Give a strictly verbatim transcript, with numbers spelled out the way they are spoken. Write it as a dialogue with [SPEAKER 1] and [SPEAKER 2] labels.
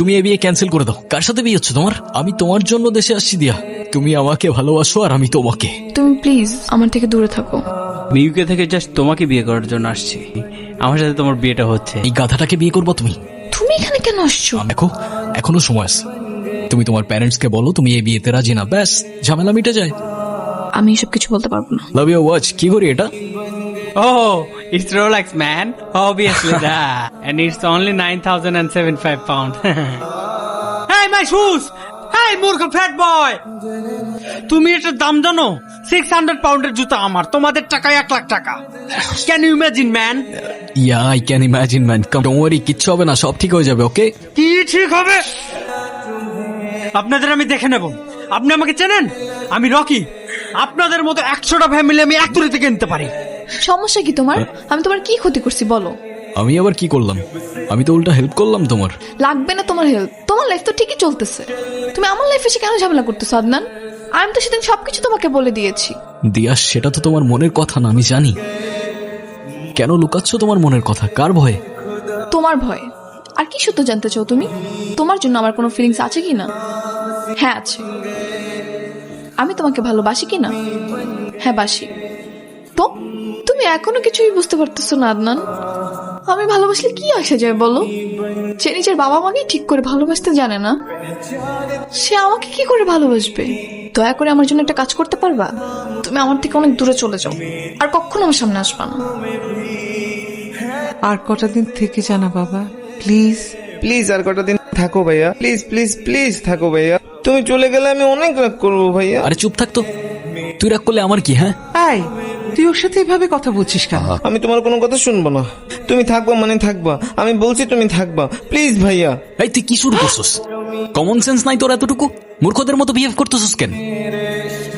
[SPEAKER 1] তুমি এই বিয়ে ক্যান্সেল করে দাও। কার সাথে বিয়ে হচ্ছে তোমার? আমি তোমার জন্য দেশে আসছি দিয়া। তুমি আমাকে ভালোবাসো আর আমি তোমাকে।
[SPEAKER 2] তুমি প্লিজ আমার থেকে দূরে থাকো।
[SPEAKER 3] ইউকে থেকে জাস্ট তোমাকে বিয়ে করার জন্য আসছি। আমার সাথে তোমার বিয়েটা হচ্ছে।
[SPEAKER 1] এই গাধাটাকে বিয়ে করবো তুমি?
[SPEAKER 2] তুমি এখানে কেন আসছো?
[SPEAKER 1] দেখো এখনো সময় আছে। তুমি তোমার প্যারেন্টস কে বলো তুমি এই বিয়েতে রাজি না, ব্যাস ঝামেলা মিটে যায়।
[SPEAKER 2] আমি এসব কিছু বলতে পারবো না।
[SPEAKER 1] Love you watch. কি করি এটা?
[SPEAKER 3] Oh, it's Rolex, man. Obviously that. And it's only nine thousand seventy-five pounds. Hey, my shoes! Hey, মূর্খ fat boy! তুমি এটার দাম জানো? six hundred পাউন্ডের জুতা আমার, তোমাদের টাকায় এক লাখ টাকা। Can you imagine, man?
[SPEAKER 1] Yeah I can imagine man. Come don't worry, কিচ্ছু হবে না, সব ঠিক হয়ে যাবে। ওকে
[SPEAKER 3] কি ঠিক হবে? আপনাদের আমি দেখে নেব। আপনি আমাকে চেনেন? আমি রকি। আপনাদের মতো একশোটা ফ্যামিলি আমি এক তুড়িতে কিনতে পারি।
[SPEAKER 2] সমস্যা কি তোমার? আমি তোমার কি ক্ষতি করছি বলো?
[SPEAKER 1] আমি আবার কি করলাম? আমি তো উল্টা হেল্প করলাম তোমার।
[SPEAKER 2] লাগবে না তোমার হেল্প, তোমার লাইফ তো ঠিকই চলতেছে। তুমি আমার লাইফে এসে কেন ঝামেলা করতেছো আদনান? আমি তো সেদিন সবকিছু তোমাকে বলে দিয়েছি।
[SPEAKER 1] দিয়া, সেটা তো তোমার মনের কথা না, আমি জানি। কেন লুকাচ্ছ তোমার মনের কথা? কার ভয়ে?
[SPEAKER 2] তোমার ভয়। আর কি সত্য জানতে চাও তুমি? তোমার জন্য আমার কোনো ফিলিংস আছে কি না? হ্যাঁ আছে। আমি তোমাকে ভালোবাসি কি না? হ্যাঁ বাসি। তো তুমি এখনো কিছুই বুঝতে পারতেছো না আদনান? আমি ভালোবাসলে কি আসে যায় বলো? সে নিজের বাবা মাকে ঠিক করে ভালোবাসতে জানে না, সে আমাকে কি করে ভালোবাসবে? দয়া করে আমার জন্য একটা কাজ করতে পারবা? তুমি আমার থেকে অনেক দূরে চলে যাও, আর কখনো আমার সামনে আসবা না।
[SPEAKER 4] আর কটা দিন থেকে জানা বাবা, প্লিজ
[SPEAKER 5] প্লিজ আর কটা দিন থাকো ভাইয়া, প্লিজ প্লিজ প্লিজ থাকো ভাইয়া। তুমি চলে গেলে আমি অনেক রাগ করবো ভাইয়া।
[SPEAKER 1] আরে চুপ থাকতো, তুই রাগ করলে আমার কি? হ্যাঁ
[SPEAKER 4] এই তুই ওর সাথে এভাবে কথা বলছিস কেন?
[SPEAKER 5] আমি তোমার কোনো কথা শুনবো না। তুমি থাকবা মানে থাকবা, আমি বলছি তুমি থাকবা, প্লিজ ভাইয়া।
[SPEAKER 1] এই তুই কি শুরু করছিস? কমন সেন্স নাই তোর এতটুকু? মূর্খদের মতো বিহেভ করতেছিস কেন?